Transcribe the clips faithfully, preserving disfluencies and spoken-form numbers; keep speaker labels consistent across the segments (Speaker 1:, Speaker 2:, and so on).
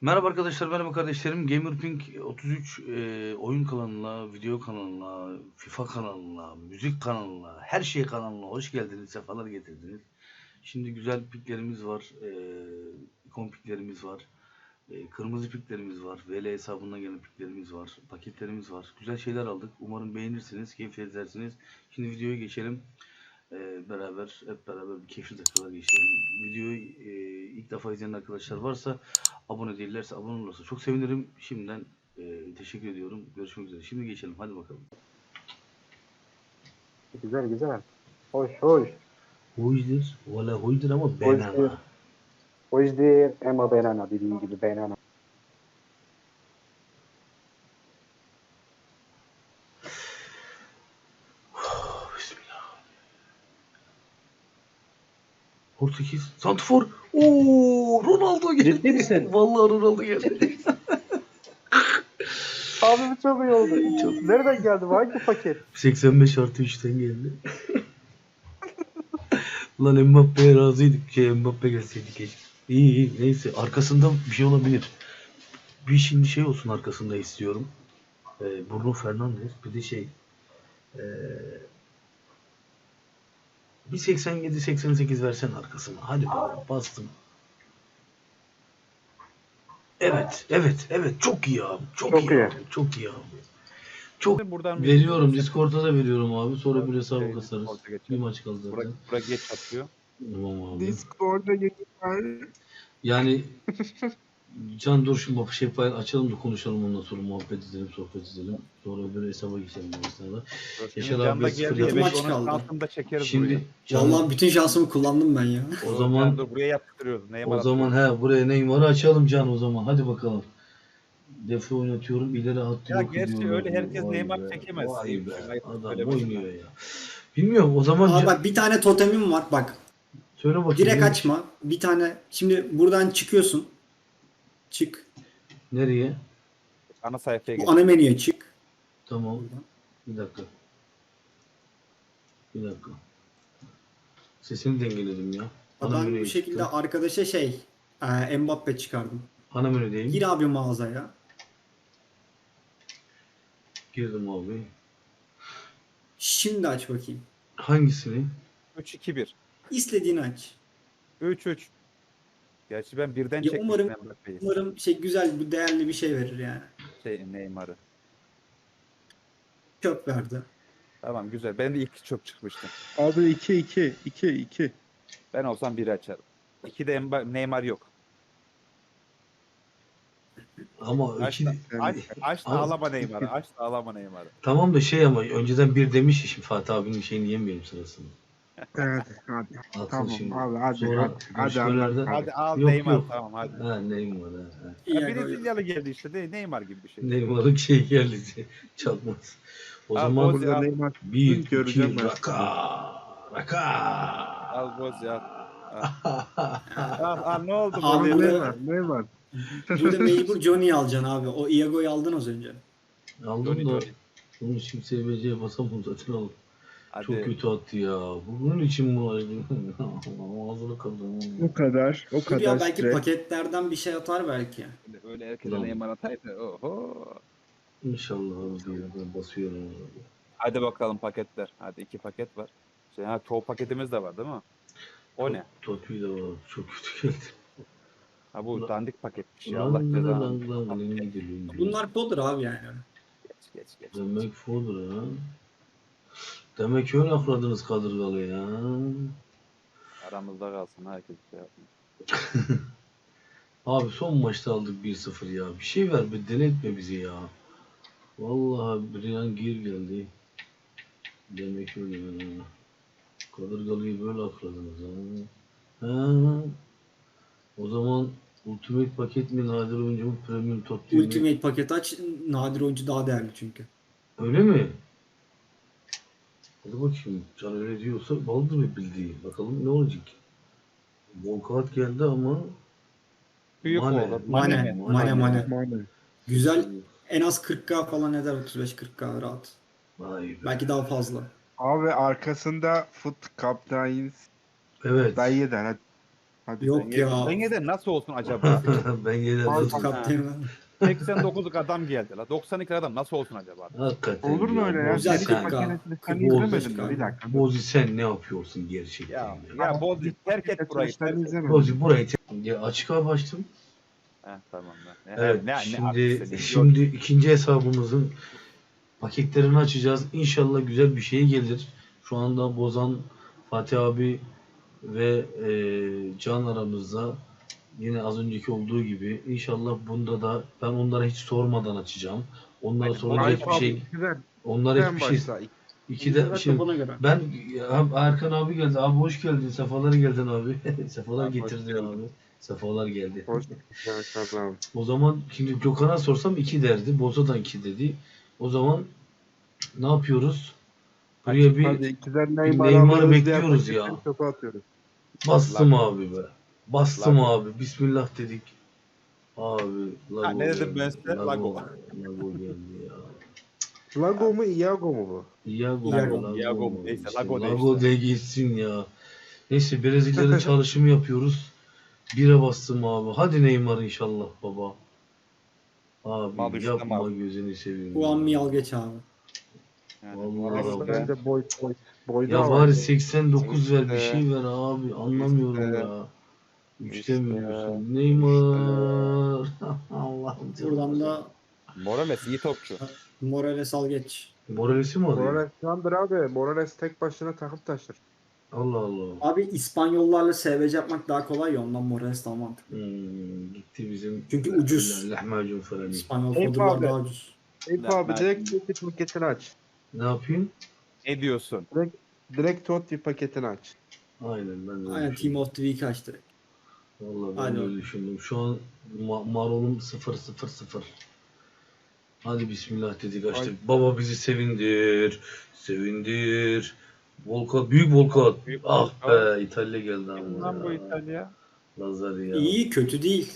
Speaker 1: Merhaba arkadaşlar, merhaba kardeşlerim. GamerPink otuz üç e, oyun kanalına, video kanalına, FIFA kanalına, müzik kanalına, her şey kanalına hoş geldiniz, sefalar getirdiniz. Şimdi güzel piklerimiz var, e, ikon piklerimiz var, e, kırmızı piklerimiz var, V L hesabından gelen piklerimiz var, paketlerimiz var. Güzel şeyler aldık. Umarım beğenirsiniz, keyif edersiniz. Şimdi videoya geçelim. Ee, beraber hep beraber bir keyifli dakikalar geçirelim. Videoyu e, ilk defa izleyen arkadaşlar varsa abone değillerse abone olursa çok sevinirim. Şimdiden e, teşekkür ediyorum. Görüşmek üzere. Şimdi geçelim. Hadi bakalım.
Speaker 2: Güzel güzel. Hoş hoş.
Speaker 1: Hoydur. Valla hoydur ama
Speaker 2: Hoşdur.
Speaker 1: banana.
Speaker 2: Hoşdur ama banana dediğin gibi banana.
Speaker 1: Bismillah. Portekiz. Santifor. Oo, Ronaldo geldi.
Speaker 2: Ciddi misin?
Speaker 1: Vallahi Ronaldo geldi.
Speaker 2: Abi bu çok iyi oldu.
Speaker 1: Çok.
Speaker 2: Nereden geldi bu? Hangi paket?
Speaker 1: seksen beş artı üçten geldi. Lan Mbappe'ye razıydık. Şey, Mbappe gelseydi keşke. İyi iyi neyse arkasında bir şey olabilir. Bir şimdi şey olsun arkasında istiyorum. Ee, Bruno Fernandes bir de şey ee, bir seksen yedi seksen sekiz versen arkasına. Hadi bakalım bastım. Evet evet evet çok iyi abi. Çok,
Speaker 2: Çok
Speaker 1: iyi,
Speaker 2: iyi.
Speaker 1: abi. Çok iyi abi. Çok
Speaker 3: Buradan
Speaker 1: veriyorum. Discord'a da veriyorum abi. Sonra bir hesabı
Speaker 3: Şey,
Speaker 1: kasarız.
Speaker 3: Discord'a geçelim.
Speaker 1: Bir maç kaldı zaten.
Speaker 3: Bura, bura geç atıyor.
Speaker 1: Tamam abi.
Speaker 2: Discord'a geçer.
Speaker 1: Yani Can dur şimdi şey pay açalım da konuşalım ondan sonra muhabbet edelim, sohbet edelim. Sonra öbür hesaba geçelim bu esnada. Yaşar abi
Speaker 3: Can'da
Speaker 1: sıfır
Speaker 3: geldi.
Speaker 1: yapmış.
Speaker 3: Evet,
Speaker 4: Maç
Speaker 3: onun
Speaker 4: kaldı.
Speaker 3: şansını çekeriz
Speaker 1: Şimdi
Speaker 3: buraya.
Speaker 1: Can,
Speaker 4: Vallahi bütün şansımı kullandım ben ya.
Speaker 1: o zaman
Speaker 3: Can, dur, buraya yaptırıyoruz. Neymar
Speaker 1: o zaman he buraya Neymar'ı açalım Can o zaman. Hadi bakalım. Defa oynatıyorum, ileri hattı
Speaker 3: Ya
Speaker 1: yok
Speaker 3: gerçi
Speaker 1: ediyorum.
Speaker 3: öyle herkes
Speaker 1: Vay
Speaker 3: Neymar
Speaker 1: be,
Speaker 3: çekemez.
Speaker 1: Vay
Speaker 3: Şey,
Speaker 1: be.
Speaker 3: şey,
Speaker 1: Adam
Speaker 3: söylemedim
Speaker 1: oynuyor
Speaker 3: ben.
Speaker 1: ya. Bilmiyorum o zaman
Speaker 4: Aa
Speaker 1: Can,
Speaker 4: bak bir tane totemim var bak.
Speaker 1: söyle bakayım.
Speaker 4: Direkt
Speaker 1: neymiş?
Speaker 4: açma. Bir tane şimdi buradan çıkıyorsun. Çık.
Speaker 1: Nereye?
Speaker 3: Ana sayfaya geç.
Speaker 4: Bu ana menüye çık.
Speaker 1: Tamam. Bir dakika. Bir dakika. Sesini dengeledim ya. Ana
Speaker 4: Ben
Speaker 1: menüye
Speaker 4: bu şekilde
Speaker 1: çıktım.
Speaker 4: arkadaşa şey e, Mbappe çıkardım.
Speaker 1: Ana menüdeyim.
Speaker 4: Gir abi mağazaya.
Speaker 1: Girdim abi.
Speaker 4: Şimdi aç bakayım.
Speaker 1: Hangisini?
Speaker 3: üç iki bir.
Speaker 4: İstediğini aç.
Speaker 3: üç üç. Gerçi ben birden
Speaker 4: Ya
Speaker 3: çekmiştim
Speaker 4: umarım-
Speaker 3: Mbappe'yi.
Speaker 4: Umarım şey güzel, bu değerli bir şey verir yani.
Speaker 3: Şey, Neymar'ı.
Speaker 4: Çöp verdi.
Speaker 3: Tamam güzel. Ben de ilk çok çıkmıştım.
Speaker 5: Abi iki iki iki iki.
Speaker 3: Ben olsam biri açarım. iki de Mba- Neymar yok.
Speaker 1: Ama
Speaker 3: Aç
Speaker 1: iki...
Speaker 3: da, aç, aç da
Speaker 1: Ama-
Speaker 3: alama Neymar'ı. Aç da alama Neymar'ı.
Speaker 1: Tamam da şey ama önceden bir demiş ya şimdi Fatih abinin şeyini yemeyelim sırasını.
Speaker 5: Evet hadi.
Speaker 1: Atsın
Speaker 5: Tamam
Speaker 1: şimdi.
Speaker 5: abi hadi
Speaker 1: Sonra
Speaker 5: hadi. Hadi
Speaker 1: görüşmelerde-
Speaker 5: hadi.
Speaker 3: Hadi al
Speaker 1: Yok,
Speaker 3: Neymar
Speaker 1: yok.
Speaker 3: tamam hadi.
Speaker 1: Ha Neymar ha. ha.
Speaker 4: İyi
Speaker 3: Ya
Speaker 4: ya,
Speaker 3: Brezilyalı geldi işte de Neymar gibi bir şey.
Speaker 1: Neymar'ın şey geldi. Çakmaz. O
Speaker 3: Al
Speaker 1: zaman
Speaker 3: Boz
Speaker 5: Burada
Speaker 3: al.
Speaker 5: Neymar
Speaker 1: bir, iki,
Speaker 5: göreceğim ben.
Speaker 1: raka, raka.
Speaker 3: Al Boz al. Al, al ne oldu
Speaker 4: Abi
Speaker 3: böyle?
Speaker 4: bu-
Speaker 5: Neymar Neymar.
Speaker 4: Burada mecbur Johnny'yi alacaksın abi. O Iago'yu aldın az önce.
Speaker 1: Aldım
Speaker 3: Johnny,
Speaker 1: da
Speaker 3: Johnny.
Speaker 1: bunu şimdi S B C'ye basamam zaten oğlum.
Speaker 3: Hadi.
Speaker 1: Çok kötü attı ya. Bunun için bu ağzını kırdım.
Speaker 5: O kadar o
Speaker 4: Dur
Speaker 5: kadar
Speaker 4: ya belki
Speaker 5: süre.
Speaker 4: paketlerden bir şey atar belki.
Speaker 3: Öyle herkese
Speaker 1: Ulan.
Speaker 3: Neymar ataydı. Oho.
Speaker 1: İnşallah abi diyor. Ben basıyorum.
Speaker 3: Hadi bakalım paketler. Hadi iki paket var. Şey, ha, çoğu paketimiz de var değil mi? O ne?
Speaker 1: Topi de var. Çok kötü geldi.
Speaker 3: Ha bu
Speaker 1: Ulan.
Speaker 3: dandik paketmiş ya.
Speaker 1: Lan
Speaker 3: Allah
Speaker 1: lan
Speaker 3: cezanı.
Speaker 1: lan lan elime geliyor.
Speaker 4: Bunlar fodder abi yani.
Speaker 3: Geç geç geç.
Speaker 1: Demek fodur ha. Demek öyle akladınız kadırgalı ya.
Speaker 3: Aramızda kalsın herkes şey yapsın.
Speaker 1: Abi son maçta aldık bir sıfır ya. Bir şey ver be denetme bizi ya. Vallahi Brian Gir geldi. Demek öyle ha. Kadırgalıyı böyle akladınız ha. Ha. O zaman Ultimate paket mi nadir oyuncu mu premium top değil mi?
Speaker 4: Ultimate paket aç. Nadir oyuncu daha değerli çünkü.
Speaker 1: Öyle mi? Hadi bakayım. Can öyle diyorsa baldır mı bildiği. Bakalım ne olacak. Volkat geldi ama
Speaker 3: Büyük
Speaker 1: Mane.
Speaker 3: oğlu.
Speaker 4: Mane.
Speaker 3: mi?
Speaker 4: Mane mane.
Speaker 5: Mane.
Speaker 4: Güzel. En az kırk K falan eder. otuz beş kırk K rahat.
Speaker 1: Vay be.
Speaker 4: Belki daha fazla.
Speaker 5: Abi arkasında Foot Captains
Speaker 1: Evet.
Speaker 5: dayı der hadi. Hadi.
Speaker 4: Yok ya.
Speaker 3: Benge'de nasıl olsun acaba?
Speaker 1: Ben yine
Speaker 5: Al,
Speaker 1: dur.
Speaker 4: Kaptanım.
Speaker 3: seksen dokuzluk adam geldi la. doksan iki adam nasıl olsun acaba?
Speaker 1: Hakikaten
Speaker 5: Olur mu öyle ya?
Speaker 4: Güzel
Speaker 1: Bozi
Speaker 5: Kedi
Speaker 1: sen,
Speaker 4: kanka.
Speaker 5: makinesini sen
Speaker 4: Kırk oldu
Speaker 5: izlemedin mi?
Speaker 4: kanka.
Speaker 5: Bir dakika. dur.
Speaker 1: Bozi sen ne yapıyorsun gerçekten?
Speaker 3: Ya,
Speaker 1: Ya,
Speaker 3: ya Boz terk et burayı.
Speaker 5: Açılışlarını
Speaker 3: Terk et.
Speaker 5: izlemedim.
Speaker 1: Bozi burayı te- ya açık abi açtım.
Speaker 3: Heh, tamam ben.
Speaker 1: Evet,
Speaker 3: ne, ne
Speaker 1: şimdi
Speaker 3: aksini,
Speaker 1: şimdi ikinci hesabımızın paketlerini açacağız. İnşallah güzel bir şey gelir. Şu anda Bozan, Fatih abi ve e, Can aramızda. Yine az önceki olduğu gibi. İnşallah bunda da ben onlara hiç sormadan açacağım. Onlara
Speaker 3: Aynen.
Speaker 1: soracak
Speaker 5: Ayıp
Speaker 1: bir
Speaker 5: abi,
Speaker 1: şey.
Speaker 5: ikiden.
Speaker 1: Onlara
Speaker 5: Sen
Speaker 1: hiçbir şey.
Speaker 5: başla.
Speaker 1: İkide
Speaker 4: Evet,
Speaker 1: şimdi
Speaker 4: kafana göre.
Speaker 1: ben ya, Erkan abi geldi. Abi hoş geldin. Sefalar geldin abi. Sefalar
Speaker 3: Abi, hoş
Speaker 1: getirdin
Speaker 3: geldin.
Speaker 1: abi. Sefalar geldi.
Speaker 5: Hoş Erkan abi.
Speaker 1: O zaman şimdi Gökhan'a sorsam iki derdi. Boza'dan iki dedi. O zaman ne yapıyoruz? Buraya bir
Speaker 5: Hadi ikiden
Speaker 1: bir
Speaker 5: Neymar
Speaker 1: Neymar'ı
Speaker 5: alıyoruz, diğer
Speaker 1: bekliyoruz ya.
Speaker 5: paketten çöpe atıyoruz.
Speaker 1: Bastım
Speaker 3: Lago.
Speaker 1: abi be. Bastım
Speaker 3: Lago.
Speaker 1: abi. Bismillah dedik. Abi Lago
Speaker 3: Ha, ne dedim
Speaker 1: geldi.
Speaker 3: ben size? Lago.
Speaker 1: Lago geldi ya.
Speaker 5: Lago mu Iago mu bu?
Speaker 1: Iago,
Speaker 4: Iago,
Speaker 1: Lago,
Speaker 3: Iago,
Speaker 1: mu?
Speaker 3: neyse,
Speaker 1: İşte
Speaker 3: Lago de
Speaker 1: Lago
Speaker 3: işte.
Speaker 1: de gitsin ya. Neyse Brezilya'da çalışımı yapıyoruz. Bire bastım abi. Hadi Neymar inşallah baba. Abi
Speaker 3: Mal üstüne
Speaker 1: yapma
Speaker 3: mal.
Speaker 1: gözünü seveyim.
Speaker 4: Bu an
Speaker 1: ya.
Speaker 4: mi al geç abi.
Speaker 3: Yani,
Speaker 1: Vallahi
Speaker 3: orası
Speaker 1: Lago.
Speaker 3: da-
Speaker 5: Bence boy boy. Boyda
Speaker 1: Ya
Speaker 5: var.
Speaker 1: bari seksen dokuz ver bir
Speaker 3: İşte.
Speaker 1: şey ver abi. Anlamıyorum
Speaker 3: İşte.
Speaker 1: ya. Üçte
Speaker 3: İşte.
Speaker 1: mi diyorsun? Neymar. Allah'ım canım.
Speaker 4: Buradan da
Speaker 3: Morales iyi topçu.
Speaker 4: Morales al geç.
Speaker 1: Moralesi mi arıyor?
Speaker 5: Morales yandır abi. Morales tek başına takıp taşır.
Speaker 1: Allah Allah.
Speaker 4: Abi İspanyollarla S V C yapmak daha kolay ya ondan Morales daha mantıklı.
Speaker 1: Hmm, gitti bizim.
Speaker 4: Çünkü ucuz.
Speaker 1: Lahmacun falan.
Speaker 4: İspanyol
Speaker 5: Eyüp
Speaker 4: fodurlar
Speaker 5: abi.
Speaker 4: daha ucuz.
Speaker 5: Eyüp
Speaker 3: Ya,
Speaker 5: abi
Speaker 3: ben-
Speaker 5: direkt Totti paketini aç.
Speaker 1: Ne yapayım?
Speaker 3: Ne diyorsun?
Speaker 5: Direkt Totti paketini aç.
Speaker 1: Aynen ben de öyle
Speaker 4: Aynen Team
Speaker 1: düşündüm.
Speaker 4: of the Week açtı.
Speaker 1: Vallahi ben
Speaker 4: Hadi
Speaker 1: de
Speaker 4: bakalım.
Speaker 1: öyle düşündüm. Şu an ma- marolum sıfır sıfır sıfır. Hadi bismillah dedik açtık. Baba bizi sevindir. Sevindir. Volkan, büyük Volkan.
Speaker 3: Büyük
Speaker 1: Ah
Speaker 3: Volkan.
Speaker 1: be İtalya geldi
Speaker 3: Kim
Speaker 1: ama
Speaker 3: lan bu
Speaker 1: ya.
Speaker 3: İtalya?
Speaker 1: Lazari ya.
Speaker 4: İyi kötü değil.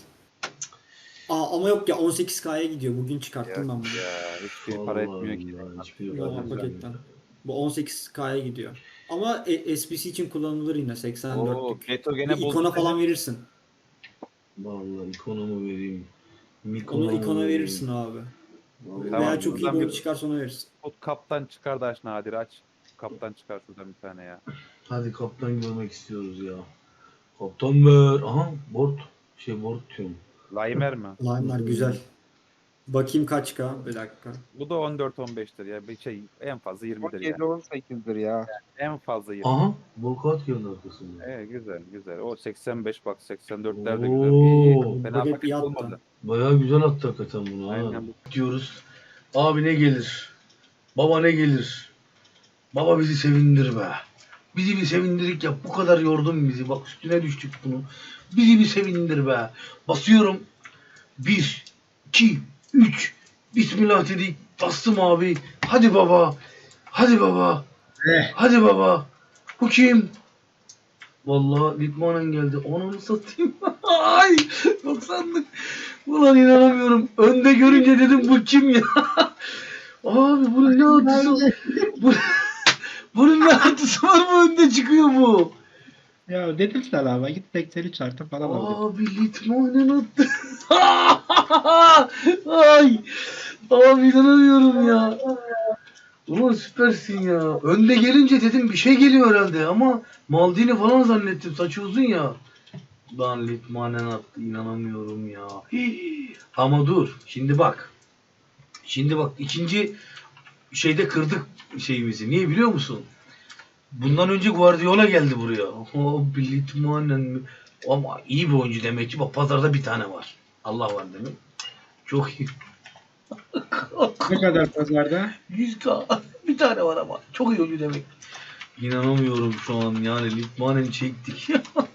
Speaker 4: Aa, ama yok ya on sekiz K'ya gidiyor. Bugün çıkarttım ben bunu.
Speaker 3: Ya hiçbir para
Speaker 1: Vallahi
Speaker 3: etmiyor ki.
Speaker 1: ya, hiçbir
Speaker 4: Yok
Speaker 1: para
Speaker 4: o
Speaker 1: etmiyor.
Speaker 4: paketten. Bu on sekiz K'ya gidiyor. Ama e- S B C için kullanılır yine seksen
Speaker 3: Oo,
Speaker 4: dörtlük.
Speaker 3: Geto
Speaker 4: Bir
Speaker 3: gene buldu.
Speaker 4: ikona
Speaker 3: seni.
Speaker 4: falan verirsin.
Speaker 1: Vallahi ikonomu vereyim. Mikonu
Speaker 4: Onu ikona
Speaker 1: vereyim.
Speaker 4: verirsin abi.
Speaker 1: Vallahi
Speaker 3: Tamam,
Speaker 4: Veya çok iyi bir
Speaker 3: buradan
Speaker 4: oyuncu
Speaker 3: bir-
Speaker 4: çıkarsa ona verirsin.
Speaker 3: Tut kaptan çıkar da aç Nadir aç. Kaptan çıkar şuradan bir tane ya.
Speaker 1: Hadi kaptan görmek istiyoruz ya. Kaptan ver. Aha board. Şey board diyorum.
Speaker 3: Laimer mi?
Speaker 4: Line'lar güzel. Bakayım kaç K? Bir dakika.
Speaker 3: Bu da on dört on beştir ya. Bir şey en fazla yirmidir ya.
Speaker 5: yedi on sekizdir ya.
Speaker 3: En fazla yirmi.
Speaker 1: Aha Volkat geldi arkasında.
Speaker 3: Evet güzel güzel. O seksen beş bak seksen dörtler de güzel.
Speaker 1: Oo.
Speaker 3: İyi, iyi. Fena
Speaker 4: Paket
Speaker 3: paket
Speaker 4: bir
Speaker 3: olmadı.
Speaker 4: hatta.
Speaker 1: Bayağı güzel attı hakikaten bunu ha.
Speaker 3: Aynen.
Speaker 1: Diyoruz. Abi ne gelir? Baba ne gelir? Baba bizi sevindir be. Bizi bir sevindirik yap. Bu kadar yordun bizi. Bak üstüne düştük bunu. Bizi bir sevindir be. Basıyorum. Bir, iki, üç. Bismillah dedik. Bastım abi. Hadi baba. Hadi baba.
Speaker 4: Eh.
Speaker 1: Hadi baba. Bu kim? Vallahi Litmanen geldi. Onu satayım. Ay doksanlık. Ulan inanamıyorum. Önde görünce dedim bu kim ya? Abi bunun ne atısı? Bu, bunun ne atısı var mı önde çıkıyor bu?
Speaker 6: Ya dedim sana ama git seksen üç artı falan al.
Speaker 1: Abi Litmanen attı. Ay. Abi inanamıyorum ya. Ulan süpersin ya. Önde gelince dedim bir şey geliyor herhalde ama Maldini falan zannettim. Saçı uzun ya. Lan Litmanen attı. İnanamıyorum ya. Hii. Ama dur. Şimdi bak. Şimdi bak ikinci şeyde kırdık şeyimizi. Niye biliyor musun? Bundan önce Guardiola geldi buraya. Oh, Litmanen mi? Ama iyi bir oyuncu demek ki. Bak pazarda bir tane var. Allah var demek. Çok iyi.
Speaker 6: Ne kadar pazarda?
Speaker 1: yüz K bir tane var ama çok iyi oyuncu demek. İnanamıyorum şu an yani Litmanen çektik.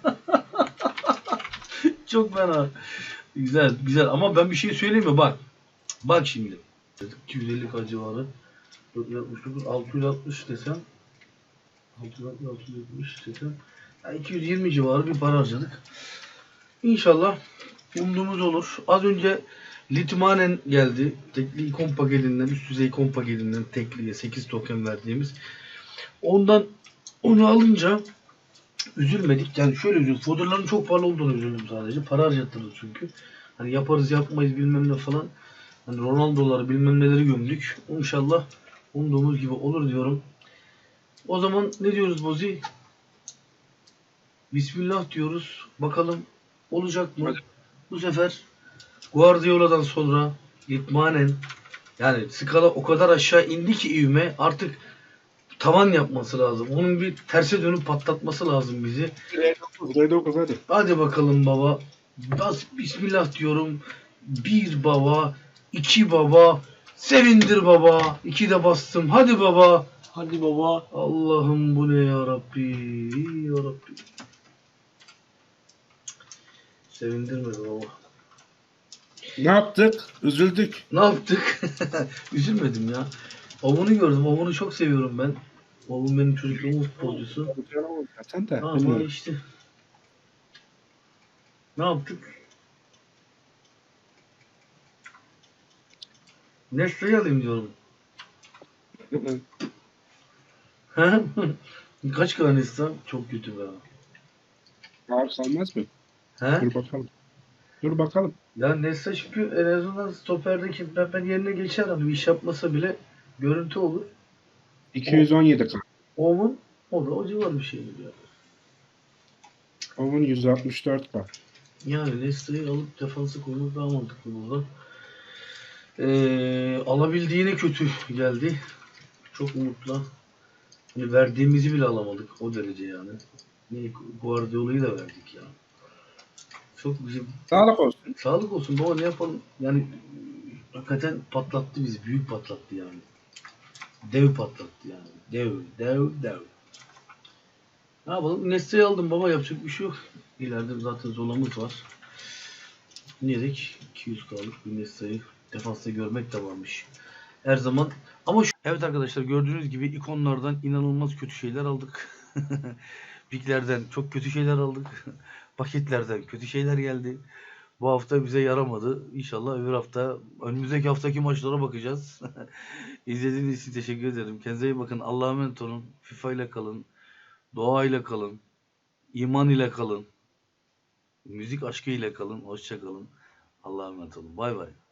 Speaker 1: Çok fena. Güzel güzel ama ben bir şey söyleyeyim mi bak. Bak şimdi. iki yüz elli K civarı. dört yüz altmış dokuz altı yüz altmış desem. altı yüz altmış altı yüz altmış desem. Yani iki yüz yirmi civarı bir para harcadık. İnşallah umduğumuz olur. Az önce Litmanen geldi. Tekli ikon paketinden, üst düzey ikon paketinden tekliye sekiz token verdiğimiz. Ondan onu alınca üzülmedik. Yani şöyle üzüldüm. Fodder'ların çok pahalı olduğunu üzüldüm sadece. Para harcattırdı çünkü. Hani yaparız yapmayız bilmem ne falan. Hani Ronaldo'ları bilmem neleri gömdük. İnşallah umduğumuz gibi olur diyorum. O zaman ne diyoruz Bozi? Bismillah diyoruz. Bakalım olacak mı? Bu sefer Guardiola'dan sonra itmanen, yani skala o kadar aşağı indi ki ivme, artık tavan yapması lazım. Onun bir terse dönüp patlatması lazım bizi.
Speaker 5: R dokuz, R dokuz hadi.
Speaker 1: Hadi bakalım baba. Bas bismillah diyorum. Bir baba, iki baba, sevindir baba. İki de bastım. Hadi baba.
Speaker 4: Hadi baba.
Speaker 1: Allah'ım bu ne ya Rabbi. Ya Rabbi. Sevindirmedi baba.
Speaker 5: Ne yaptık? Üzüldük.
Speaker 1: Ne yaptık? Üzülmedim ya. Ovun'u gördüm. Ovun'u çok seviyorum ben. Ovun benim çocukluğumun futbolcusu.
Speaker 5: Sen de.
Speaker 1: Ama
Speaker 5: bilmiyorum.
Speaker 1: işte. Ne yaptık? Nestle'yi alayım diyorum. Ha? Kaç kadar Nestle? Çok kötü be.
Speaker 5: Ağır kalmaz mı?
Speaker 1: He?
Speaker 5: Dur bakalım. Dur bakalım.
Speaker 1: Ya Nestle çünkü en azından stoperdeki ben yerine geçer, hani bir iş yapmasa bile görüntü olur.
Speaker 5: iki yüz on yedi K.
Speaker 1: Ovun o da o civar bir şeydir ya.
Speaker 5: Onun yüz altmış dört K.
Speaker 1: Yani Nestle'yi alıp defansa koymak daha mantıklı burada. Ee, alabildiğine kötü geldi. Çok umutla. Hani verdiğimizi bile alamadık o derece yani. Ne Guardiola'yı da verdik ya. Çok bizim
Speaker 5: Sağlık olsun.
Speaker 1: sağlık olsun baba, ne yapalım? Yani hakikaten patlattı bizi. Büyük patlattı yani. Dev patlattı yani. Dev, dev, dev. Ne yapalım? Nestle'yi aldım baba, yapacak bir şey yok. İleride zaten Zola'mız var. Ne dedik? iki yüz K'lık bir Nestle'yi defansta görmek de varmış. Her zaman. Ama şu... Evet arkadaşlar, gördüğünüz gibi ikonlardan inanılmaz kötü şeyler aldık. Biglerden çok kötü şeyler aldık. Paketlerden kötü şeyler geldi. Bu hafta bize yaramadı. İnşallah öbür hafta, önümüzdeki haftaki maçlara bakacağız. İzlediğiniz için teşekkür ederim. Kendinize iyi bakın. Allah'a emanet olun. FIFA ile kalın. Doğa ile kalın. İman ile kalın. Müzik aşkı ile kalın. Hoşça kalın. Allah'a emanet olun. Bay bay.